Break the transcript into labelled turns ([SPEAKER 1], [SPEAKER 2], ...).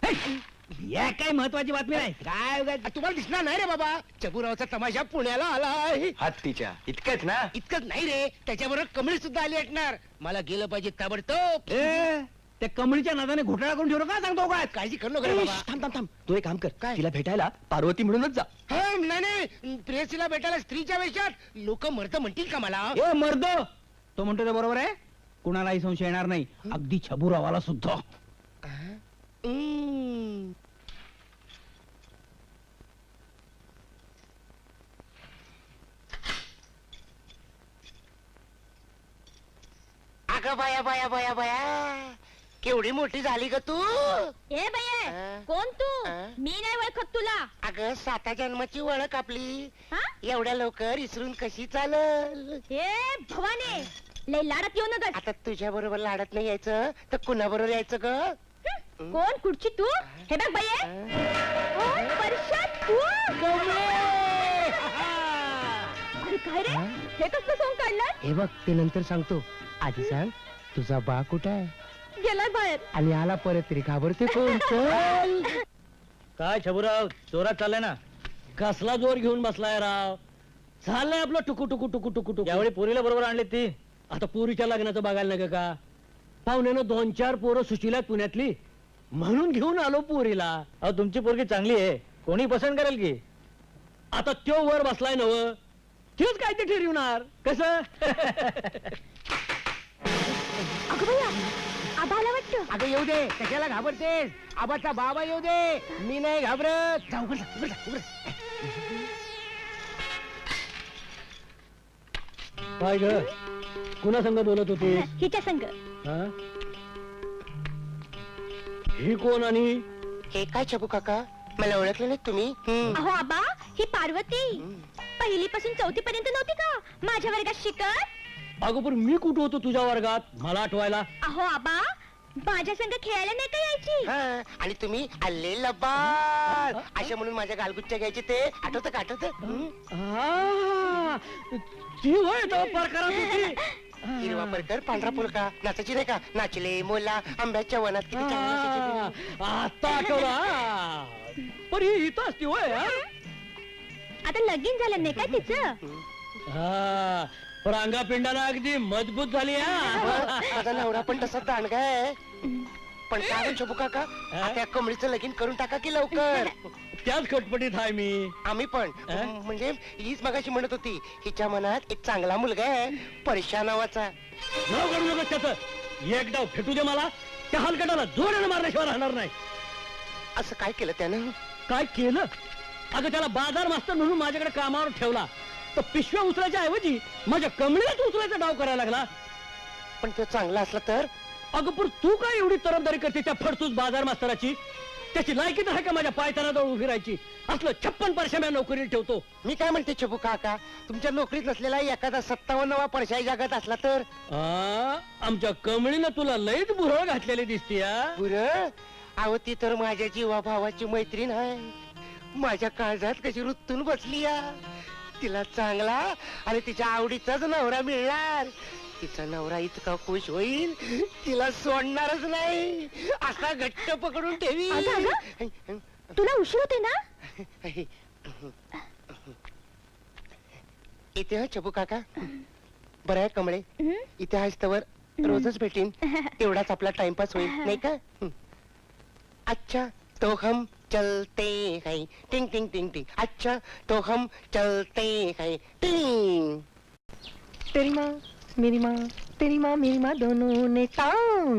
[SPEAKER 1] या काय महत्वाची बातमी नाही.
[SPEAKER 2] काय तुम्हाला दिसणार नाही रे बाबा, चबुरावचा तमाशा पुण्याला आलाय.
[SPEAKER 3] हत्तीच्या इतकंच ना?
[SPEAKER 2] इतकंच नाही रे, त्याच्याबरोबर कमळी सुद्धा आली असणार. मला गेलं पाहिजे ताबडतोब.
[SPEAKER 1] त्या कमळीच्या नादाने घोटाळा करून ठेवलं का सांगतो काय?
[SPEAKER 2] काळजी करू नका रे बाबा.
[SPEAKER 3] थांब थांब थांब, तू एक काम कर,
[SPEAKER 2] काय?
[SPEAKER 3] तिला भेटायला पार्वती म्हणूनच जा.
[SPEAKER 2] नाही प्रेयसीला भेटायला स्त्रीच्या वेशात लोक मरत म्हणतील का मला?
[SPEAKER 1] ए मर्द, तो म्हणतो ते बरोबर आहे. कुणालाही संशय येणार नाही, अगदी छबुरावाला सुद्धा.
[SPEAKER 2] अगं बाया बाया बाया बाया, केवढी मोठी झाली ग तू.
[SPEAKER 4] ए बये, कोण तू? मी नाही ओळखत तुला.
[SPEAKER 2] अगं 7 जन्माची ओळख आपली
[SPEAKER 4] हा?
[SPEAKER 2] एवढ्या लवकर इसरून कशी चालल?
[SPEAKER 4] ए भवाने, लय लाडत येऊ नका.
[SPEAKER 2] आता तुझ्या बरोबर लाडत नाही यायचं तर कुणा बरोबर यायचं ग?
[SPEAKER 4] कोण कुठची तू? हे बघ बये, कोण परशात तू? अरे काय रे, हे कसलं सोंग काढलं?
[SPEAKER 2] हे बघ ते नंतर सांगतो, आधी सांग तुझा बा कुठे आहे
[SPEAKER 4] गेलाय बाहेर.
[SPEAKER 2] आणि आला परत तरी घाबरते कोण? चल.
[SPEAKER 1] काय छबुराव, जोरात चाललाय ना? कसला जोर घेऊन बसलाय राव? चाललंय आपलं टुकू टुकू टुकू टुकू टुकू. यावेळी पोरीला बरोबर आणले ती. आता पोरीच्या लग्नाचं बघायला नका का? पाहुण्यानं 2-4 पोरं सुशीला पुण्यातली, म्हणून घेऊन आलो पोरीला. अहो तुमची पोरगी चांगली आहे, कोणी पसंत करेल की. आता त्यो वर बसलाय नव, तेच काय ते ठरवणार कसं?
[SPEAKER 4] अगं बया, आबा आला वाटतं.
[SPEAKER 2] अगं येऊ दे, कशाला घाबरतेस? आबाचा बाबा येऊ दे, मी नाही घाबरत. जाऊ उघड जा, उघड जा, उघड जा.
[SPEAKER 1] काय ग, कुणा संग बोलत होती?
[SPEAKER 4] हिच्या संग.
[SPEAKER 1] ही कोण आणि
[SPEAKER 2] हे काय छबू काका, मला ओळखलं नाही तुम्ही?
[SPEAKER 4] अहो आबा, ही पार्वती पहिलीपासून 4थी पर्यंत नव्हती का माझ्या वर्गात शिकत?
[SPEAKER 1] अगं पण मी कुठं होतो तुझ्या वर्गात, मला आठवायला?
[SPEAKER 4] अहो आबा, माझ्या संग खेळायला नाही का यायची?
[SPEAKER 2] हा, आणि तुम्ही आले लबाड अशा म्हणून माझ्या गालगुच्च्या घ्यायचे ते आठवतं का? आठवतं?
[SPEAKER 1] आ, ती होय तो प्रकारात होती.
[SPEAKER 2] हिरवा परकर पांढरा फुलका नाचायची नाही का? नाचले मोला आंब्याच्या वनात किती छान नाचायची.
[SPEAKER 1] आता आठवला. पण ही इथं असती होय.
[SPEAKER 4] आता लगीन झालं नाही काय तिचं?
[SPEAKER 1] हा, रांगा पिंडाला अगदी मजबूत झाली.
[SPEAKER 2] माझा नवरा पण तसा दांडगा आहे. पण काय छबू काका, त्या कमळीचं लगीन करून टाका की लवकर.
[SPEAKER 1] त्याच खटपटीत आहे मी.
[SPEAKER 2] आम्ही पण म्हणजे हीच मगाशी म्हणत होती, हिच्या मनात एक चांगला मुलगा आहे परशा नावाचा.
[SPEAKER 1] नाव काढू नका त्याचं. एक डाव फेटू दे मला, त्या हलकटाला जोरानं मारल्याशिवाय राहणार नाही.
[SPEAKER 2] असं काय केलं त्यानं?
[SPEAKER 1] काय केलं? अगं त्याला बाजार मास्तर म्हणून माझ्याकडे कामावर ठेवला, तर पिशव्या उचलायच्या ऐवजी माझ्या कमळीलाच उचलायचा डाव करायला लागला.
[SPEAKER 2] पण तो चांगला असला तर?
[SPEAKER 1] अगं पण तू काय एवढी तरफदारी करते त्या फडतूस बाजार मास्तराची? त्याची लायकी तर आहे का माझ्या पायतानाजवळ उभी राहायची? असलं 56 परशा मी नोकरीला ठेवतो.
[SPEAKER 2] मी काय म्हणते छबू काका, तुमच्या नोकरीत नसलेला एखादा 57वा परशाई जगात असला तर?
[SPEAKER 1] आमच्या कमळीनं तुला लईच बुरळ घातलेली दिसते.
[SPEAKER 2] बुरं? अहो ती तर माझ्या जीवा भावाची मैत्रीण आहे. माझ्या काळजात कशी रुतून बसली या. तिला चांगला आणि तिच्या आवडीचाच नवरा मिळणार. तिचा नवरा इतका खुश होईल, तिला सोडणारच नाही, असा घट्ट पकडून ठेवी.
[SPEAKER 4] तुला उशीर होते ना?
[SPEAKER 2] इथे हा छबू काका. बरं आहे कमळे, इथे आहेस तवर रोजच भेटीन, तेवढाच आपला टाइमपास होईल नाही का? अच्छा तो हम चलते हैं, टिंग टिंग टिंग टिंग. अच्छा तो हम चलते हैं, टिंग. तेरी माँ मेरी माँ, तेरी माँ मेरी माँ दोनों ने टांग